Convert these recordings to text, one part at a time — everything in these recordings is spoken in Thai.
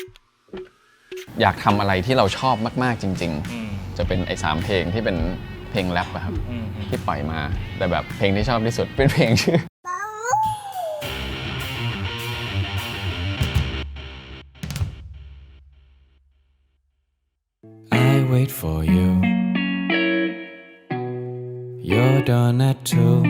อยากทำอะไรที่เราชอบมากๆจริงๆจะเป็นไอ้3เพลงที่เป็นเพลงแรปอะครับที่ปล่อยมาแต่แบบเพลงที่ชอบที่สุดเป็นเพลงชื่อ Wait for you. You're done at 2.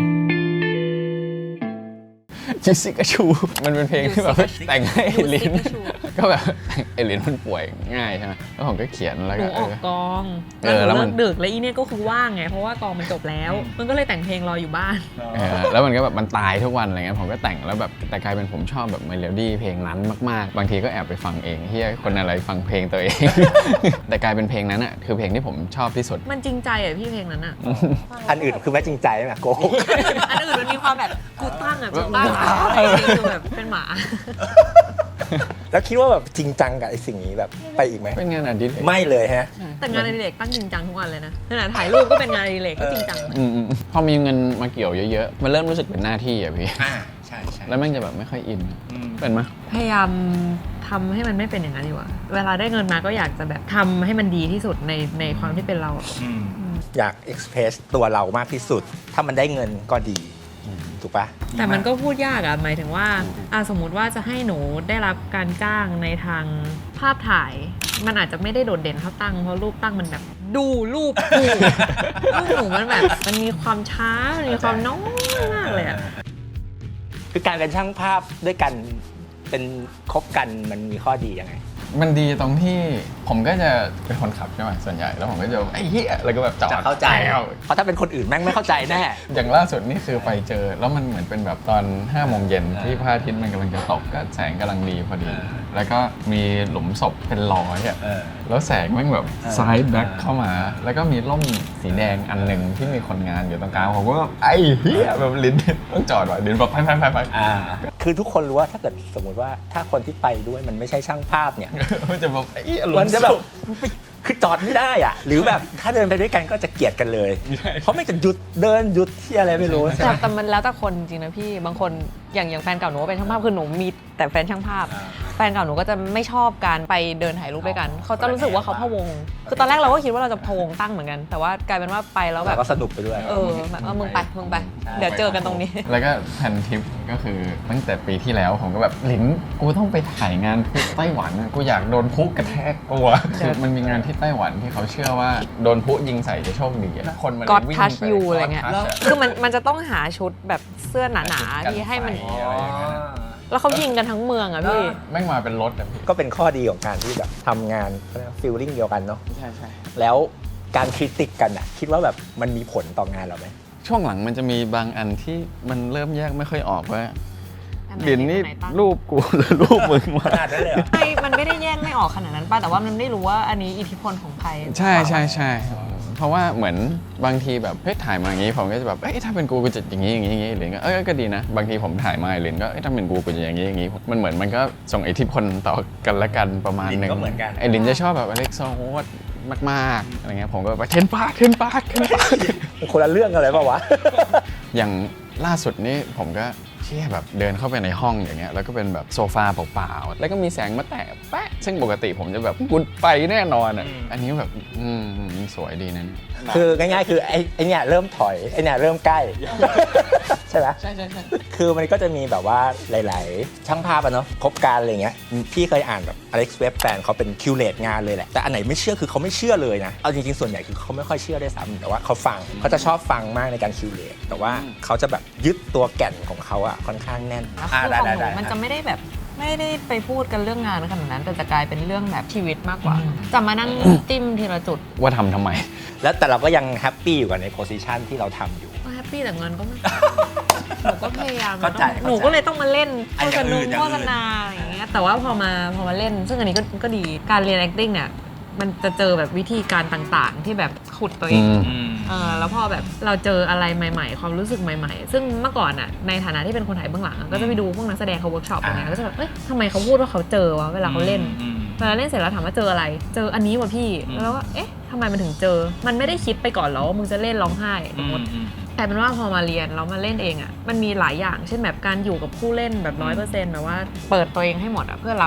ยูซิกาชูมันเป็นเพลงที่แบบแต่งให้ลินก็แบบไอลินมันป่วยง่ายใช่ไหมแล้วผมก็เขียนแล้วหนูก็ออกกองแล้วเลิมันกดึกแล้วอีเนี่ยก็คือว่างไงเพราะว่ากองมันจบแล้วมันก็เลยแต่งเพลงรออยู่บ้านแล้วมันก็แบบมันตายทุกวันอะไรเงี้ยผมก็แต่งแล้วแบบแต่กลายเป็นผมชอบแบบเมโลดี้เพลงนั้นมากๆบางทีก็แอบไปฟังเองเฮียคนอะไรฟังเพลงตัวเอง แต่กลายเป็นเพลงนั้นอ่ะคือเพลงที่ผมชอบที่สุดมันจริงใจอ่ะพี่เพลงนั้นอ่ะอันอื่นคือไม่จริงใจไหมโกหกอันอื่นมันมีความแบบกูตั้งอ่ะกูตั้งอ่ะคือแบบเป็นหมาแล้วคิดว่าแบบจริงจังกับไอ้สิ่งนี้แบบไปอีกไหมเป็นงานอดิเรกไม่เลยฮะแต่งานอดิเรกตั้งจริงจังทุกวันเลยนะขนาดถ่ายรูปก็เป็นงานอดิเรกก็จริงจังพอมีเงินมาเกี่ยวเยอะๆมันเริ่มรู้สึกเป็นหน้าที่อ่ะพี่ใช่แล้วแม่งจะแบบไม่ค่อยอินเป็นไหมพยายามทำให้มันไม่เป็นอย่างนั้นดีกว่าเวลาได้เงินมาก็อยากจะแบบทำให้มันดีที่สุดในความที่เป็นเราอยากเอ็กซ์เพรสตัวเรามากที่สุด ถ้ามันได้เงินก็ดีถูกปะแต่มันก็พูดยากอะหมายถึงว่าสมมุติว่าจะให้หนูได้รับการจ้างในทางภาพถ่าย มันอาจจะไม่ได้โดดเด่นเท่าตั้งเพราะรูปตั้งมันแบบดูรูปกูรูปหนูมันแบบมันมีความช้ามีความน้อยมากเลยอะคือการเป็นช่างภาพด้วยกันเป็นคบกันมันมีข้อดียังไงมันดีตรงที่ผมก็จะเป็นคนขับใช่ไหมส่วนใหญ่แล้วผมก็จะไอ้เหี้ยแล้วก็แบบจอดจะเข้าใจเพราะถ้าเป็นคนอื่นแม่งไม่เข้าใจแน่อย่างล่าสุดนี่คือไปเจอแล้วมันเหมือนเป็นแบบตอน5 โมงเย็นที่พระอาทิตย์มันกำลังจะตกก็แสงกำลังดีพอดี แล้วก็มีหลุมศพเป็นร้อยอ่ะแล้วแสงแม่งแบบซ้ายแบ็คเข้ามา แล้วก็มีร่มสีแดงอันหนึ่งที่มีคนงานอยู่ตรงกลางผมก็แบบไอ้เหี้ยแบบลิ้นต้องจอดว่ะลิ้นแบบไปคือทุกคนรู้ว่าถ้าเกิดสมมติว่าถ้าคนที่ไปด้วยมันไม่ใช่ช่างภาพเนี่ยมันจะแบบไอ้หลุมัมนจะแบบคือจอดไม่ได้อ่ะ หรือแบบถ้าเดินไปด้วยกันก็จะเกลียดกันเลย เพราะไม่จะหยุดเดินหยุดที่อะไรไม่รู้ใช่ไหมแต่มันแล้วแต่คนจริงๆนะพี่บางคนอย่างแฟนเก่าหนูเป็นช่างภาพคือหนูมีแต่แฟนช่างภาพแฟนเก่าหนูก็จะไม่ชอบการไปเดินถ่ายรูปด้วยกันเขาจะรู้สึกว่าเขาพะวงคือตอนแรกเราก็คิดว่าเราจะพะวงตั้งเหมือนกันแต่ว่ากลายเป็นว่าไปแล้วแบบก็สนุกไปด้วยแบบมึงไปเดี๋ยวเจอกันตรงนี้แล้วก็แผนทริปก็คือตั้งแต่ปีที่แล้วผมก็แบบลิ้นกูต้องไปถ่ายงานพลุไต้หวันกูอยากโดนพลุกระแทกตัวคือมันมีงานที่ไต้หวันที่เขาเชื่อว่าโดนพลุยิงใส่จะโชคดีอะคนมัน God วิ่ง touch ไป you อะไรเงี้ย God touch อะคือมันจะต้องหาชุดแบบเสื้อหนาๆที่ให้มันอะไรอย่างเงี้ยแล้วเขายิงกันทั้งเมืองอะพี่แม่งมาเป็นรถอะพี่ก็เป็นข้อดีของการที่แบบทำงานฟีลลิ่งเดียวกันเนาะใช่ใช่แล้วการคริติกกันอ่ะคิดว่าแบบมันมีผลต่องานเราไหมช่วงหลังมันจะมีบางอันที่มันเริ่มแยกไม่ค่อยออกว่าอันไหนลิ้นนี่อันไหนตั้งรูปกูหรือรูปมึงวะขนาดนั้นเลยเหรอมันไม่ได้แยกไม่ออกขนาดนั้นป่ะแต่ว่ามันไม่รู้ว่าอันนี้อิทธิพลของใครใช่ใช่ใช่เพราะว่าเหมือนบางทีแบบเฮ้ยถ่ายมาอย่างนี้ผมก็จะแบบเอ้ยถ้าเป็นกูจะอย่างนี้อย่างนี้อย่างนี้หรือก็ก็ดีนะบางทีผมถ่ายมาเลนก็ถ้าเป็นกูจะอย่างนี้อย่างนี้มันเหมือนมันก็ส่งอิทธิพลต่อกันและกันประมาณนึงลินก็เหมือนกันไอ้ลินจะชอบแบบอเล็กโซโฮสมากๆอะไรเงี้ยผมก็แบบเทนปาร์คคนละเรื่องกันเลยเปล่าวะอย่างล่าสุดนี้ผมก็เชี่ยแบบเดินเข้าไปในห้องอย่างเงี้ยแล้วก็เป็นแบบโซฟาเปล่าๆแล้วก็มีแสงมาแตะแป๊ะซึ่งปกติผมจะแบบกุดไปแน่นอนอ่ะอันนี้แบบสวยดีนะเนี่ยคือง่ายๆคือไอ้เนี่ยเริ่มถอยไอ้เนี่ยเริ่มใกล้ ใช่ไหมใช่ใช่ใช่คือมันก็จะมีแบบว่าหลายๆช่างภาพอะเนาะคบการอะไรเงี้ยพี่เคยอ่านแบบอเล็กซ์เว็บแฟนเขาเป็นคิวเลตงานเลยแหละแต่อันไหนไม่เชื่อคือเขาไม่เชื่อเลยนะเอาจริงๆส่วนใหญ่คือเขาไม่ค่อยเชื่อด้วยซ้ำแต่ว่าเขาฟังเขาจะชอบฟังมากในการคิวเลตแต่ว่าเขาจะแบบยึดตัวแก่นของเขาอะค่อนข้างแน่นแล้วคือของหนูมันจะไม่ได้แบบไม่ได้ไปพูดกันเรื่องงานขนาดนั้นแต่จะกลายเป็นเรื่องแบบชีวิตมากกว่าจะมานั่งจิ้มทีละจุดว่าทำทำไมแล้วแต่เราก็ยังแฮปปี้อยู่กับในโพสิชันที่เราทำอยู่ก็แฮปปี้แต่เงินก็ไม่ หนูก็พยายามเข้าใจหนูก็เลยต้องมาเล่นไอ้โฆอษย่างอื่นณาโฆษณาอย่างเงี้ยแต่ว่าพอมาเล่น ซึ่งอันนี้ก็ดีการเรียน acting เนี่ยมันจะเจอแบบวิธีการต่างๆ ที่แบบขุดตัวเองแล้วพอแบบเราเจออะไรใหม่ๆ ความรู้สึกใหม่ๆ ซึ่งเมื่อก่อนอ่ะในฐานะที่เป็นคนถ่ายเบื้องหลังอะก็จะไปดูพวกนักแสดงเขาเวิร์กช็อปอะไรเงี้ยก็จะแบบเอ้ยทำไมเขาพูดว่าเขาเจอวะเวลาเขาเล่นเวลาเล่นเสร็จแล้วถามว่าเจออะไรเจออันนี้วะพี่แล้วก็เอ๊ะทำไมมันถึงเจอมันไม่ได้คิดไปก่อนหรอว่ามึงจะเล่นร้องไห้สมมติแต่เป็นว่าพอมาเรียนแล้วมาเล่นเองอ่ะมันมีหลายอย่างเช่นแบบการอยู่กับผู้เล่นแบบ100%แบบว่าเปิดตัวเองให้หมดอ่ะเพื่อรับ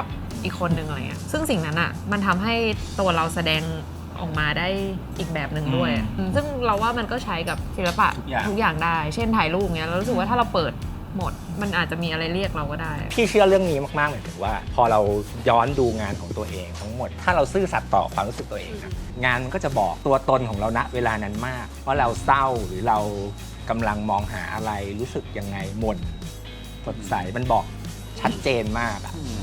อีกคนนึงอะไรเงี้ยซึ่งสิ่งนั้นอ่ะมันทำให้ตัวเราแสดงออกมาได้อีกแบบหนึ่งด้วยซึ่งเราว่ามันก็ใช้กับศิลปะทุกอย่างได้เช่นถ่ายรูปเงี้ยเรารู้สึกว่าถ้าเราเปิดหมดมันอาจจะมีอะไรเรียกเราก็ได้พี่เชื่อเรื่องนี้มากๆหมายถึงว่าพอเราย้อนดูงานของตัวเองทั้งหมดถ้าเราซื่อสัตย์ต่อความรู้สึกตัวเองอะงานมันก็จะบอกตัวตนของเราณเวลานั้นมากว่าเราเศร้าหรือเรากำลังมองหาอะไรรู้สึกยังไงหม่นสดใสมันบอกชัดเจนมากอะ